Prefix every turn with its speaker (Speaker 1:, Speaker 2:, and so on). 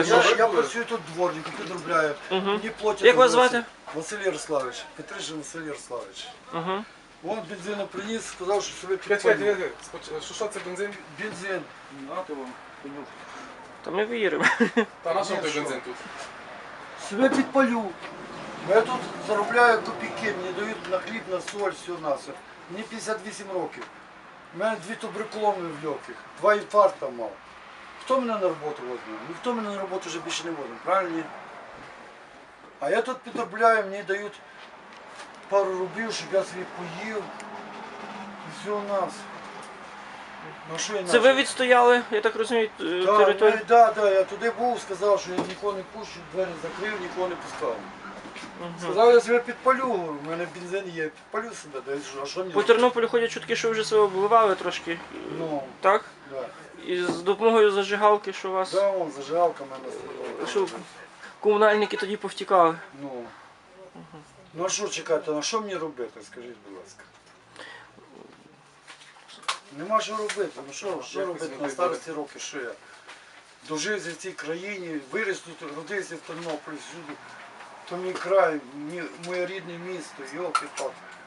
Speaker 1: Я працюю тут дворником, підробляю. Мені платять.
Speaker 2: Як вас звати?
Speaker 1: Василь Ярославович. Петришин Василь Ярославович.
Speaker 2: Угу.
Speaker 1: Вон бензину приніс, сказав, що собі
Speaker 3: Чекайте,
Speaker 1: підпалю.
Speaker 3: що це бензин?
Speaker 1: Бензин. Нате вам, конюх.
Speaker 2: Та ми віримо.
Speaker 3: Та на що
Speaker 1: Ні,
Speaker 3: той
Speaker 1: що?
Speaker 3: бензин тут?
Speaker 1: Себе підпалю. Я тут заробляю копійки, мені дають на хліб, на соль, все на все. Мені 58 років. У мене 2 туберкуломи в легких, 2 інфаркта мав. Хто мене на роботу возьме? Ніхто мене на роботу вже більше не возьме, правильно? Ні? А я тут підробляю, мені дають пару рублів, щоб я собі поїв. І все у нас. Ну, що я
Speaker 2: Це ви відстояли, я так розумію, територію?
Speaker 1: Так, я туди був, сказав, що я нікого не пущу, двері закрив, нікого не пускав. Сказав, я себе підпалю, у мене бензин є, підпалю себе, а що мені?
Speaker 2: По Тернополю ходять чутки, що ви вже себе обливали трошки.
Speaker 1: Ну,
Speaker 2: Так?
Speaker 1: да.
Speaker 2: І з допомогою зажигалки, що у вас.
Speaker 1: Да, вон, зажигалка в мене стоїть.
Speaker 2: Що комунальники тоді повтікали.
Speaker 1: Ну. Ну а що чекати, а що мені робити, скажіть, будь ласка. Нема що робити, ну що робити на старості роки, що я? Дожився в цій країні, виріс тут, родився в Тернополі, всюди. То мій край, моє рідне місто, йолки-палки.